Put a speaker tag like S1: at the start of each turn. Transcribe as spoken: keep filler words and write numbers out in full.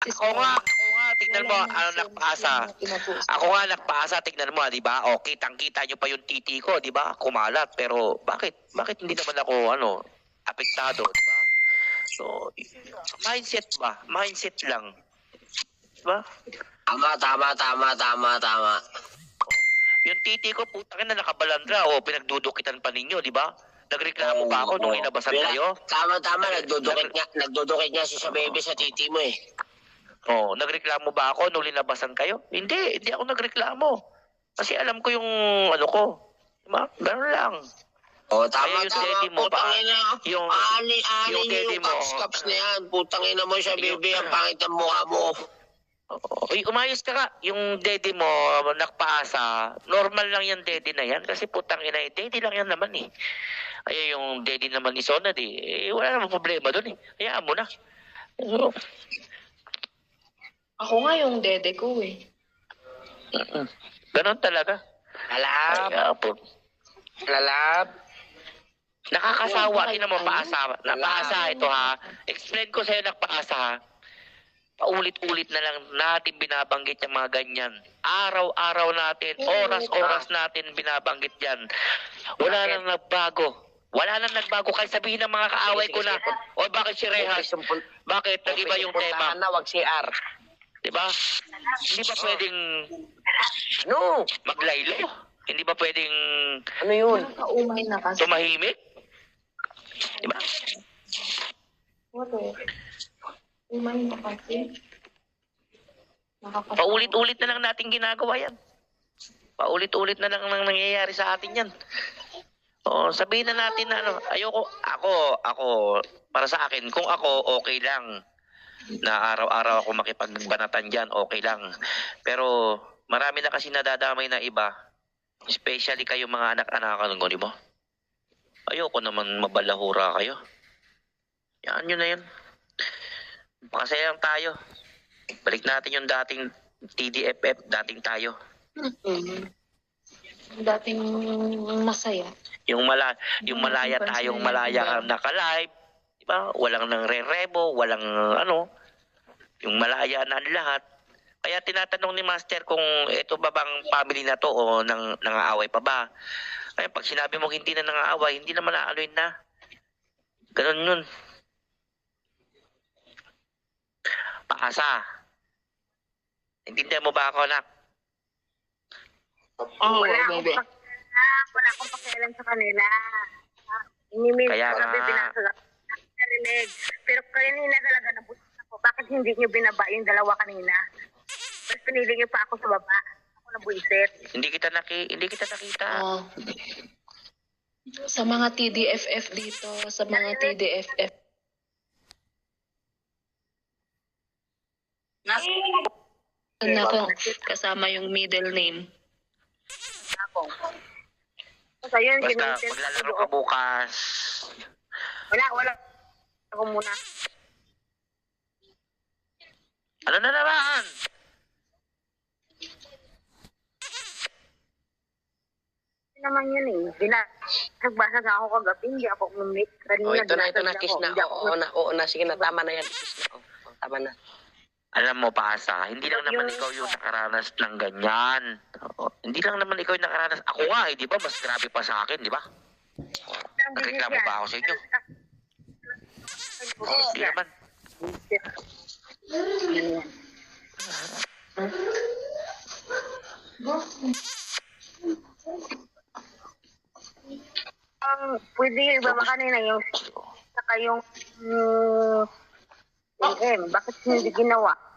S1: Ako nga, ako nga, tignan mo, ano nagpasa. Ako nga nagpasa, tignan mo, di ba? O, kitang-kita nyo pa yung titi ko, di ba? Kumalat, pero bakit? Bakit hindi naman ako, ano, apektado, di ba? So, mindset ba? Mindset lang. Di ba?
S2: Tama, tama, tama, tama, tama.
S1: Yung titi ko, putang na nakabalandra, o, pinagdudukitan pa ninyo, di ba? Nagreklamo pa ako nung inabasan kayo.
S2: Tama, tama, nagdudukit nga, nagdudukit nga si sa baby sa titi mo eh.
S1: Oh, nagreklamo ba ako nung linabasan kayo? Hindi, hindi ako nagreklamo. Kasi alam ko yung ano ko. Diba? Ganun lang.
S2: Oh, tama,
S1: Kaya yung
S2: tama.
S1: daddy mo
S2: Putang
S1: pa,
S2: ina,
S1: yung-
S2: aani, aani
S1: yung
S2: yung,
S1: daddy
S2: yung
S1: mo.
S2: caps-caps na yan. Putang ina mo siya,
S1: Yung-
S2: baby, ang pangit ng mukha mo.
S1: Oh, uy, umayos ka nga. Yung daddy mo, nakpaasa, normal lang yung daddy na yan. Kasi putang ina, eh, daddy lang yan naman eh. Ay, yung daddy naman ni Sonad eh. eh wala namang problema doon eh. Hayaan mo na. So,
S3: Ako nga yung dede ko eh.
S1: mm-mm. Ganun talaga.
S2: Lalab,
S1: Ay, ah, po.
S2: lalab.
S1: Nakakasawa, di naman paasa. Napaasa ito ha. Explain ko sa'yo nagpaasa ha. Paulit-ulit na lang natin binabanggit yung mga ganyan. Araw-araw natin, oras-oras natin binabanggit yan. Wala nang nagbago. Wala nang nagbago. Kahit sabihin ng mga kaaway ko na, o bakit si Rehas? Bakit? Nag-iba yung tema.
S2: Na, wag C R.
S1: Diba? Hindi ba pwedeng
S2: No!
S1: maglaylo? Hindi ba pwedeng
S2: Ano yun?
S3: Nakaumay na kasi.
S1: tumahimik? Diba?
S3: What eh? Umay na kasi. Nakakatawa.
S1: Paulit-ulit na lang natin ginagawa yan. Paulit-ulit na lang nang nangyayari sa atin yan. O, sabihin na natin na ano, ayoko, ako, ako, para sa akin, kung ako, okay lang. Na araw-araw ako makipagbanatan dyan, okay lang. Pero, marami na kasi nadadamay na iba. Especially kayo mga anak-anak ko, di ba? Ayoko naman mabalahura kayo. Yan, yun na yun. Masaya lang tayo. Balik natin yung dating T D F F, dating tayo.
S3: Mm. Dating masaya.
S1: Yung mala yung malaya tayong malaya naka-live, di ba? Walang nang re-rebo, walang ano, yung malaya na ang lahat. Kaya tinatanong ni Master kung ito ba bang family na to o nang nangaaway pa ba. Kaya pag sinabi mo hindi na nangaaway, hindi naman naaloy na. Ganun yun. Paasa. Intindihan mo ba ako, anak?
S3: Oh,
S4: wala akong
S3: baby.
S4: pakialam, wala akong pakialam sa kanila. Inimil
S1: Kaya
S4: ko
S1: nga.
S4: gabi binasag narinig. Pero kanina talaga nabutas ako. Bakit hindi niyo binaba yung dalawa kanina? Mas pinili niyo pa ako sa baba. Ako nabuisit.
S1: Hindi kita naki hindi kita nakita.
S3: Oh. Sa mga T D F F dito, sa mga T D F F. Na po, kasama yung middle name.
S4: Ako. So, yun,
S1: Basta
S4: gamitin ko
S1: maglalaro ka
S4: doon.
S1: bukas.
S4: Wala, wala. Ako muna.
S1: Ano na naman?
S4: Hindi naman yun eh. Bina- Nagbasag ako kagabi. Hindi ako umimik. Kanina,
S2: Oh, ito na, ito na,
S4: binasag
S2: kiss
S4: ako.
S2: na.
S4: Hindi ako
S2: Oo na, oo na. Sige na, tama na yan. Kiss na. Oh, tama na.
S1: Alam mo, Paasa, hindi lang naman
S4: Yung-
S1: ikaw yung nakaranas ng ganyan. Oo, hindi lang naman ikaw yung nakaranas. Ako nga eh, di ba? Mas grabe pa sa akin, di ba? Nagreklamo ba ako sa inyo? Hindi naman.
S4: Um, pwede yung iba ba kanina yung saka yung um, yung M, bakit hindi ginawa?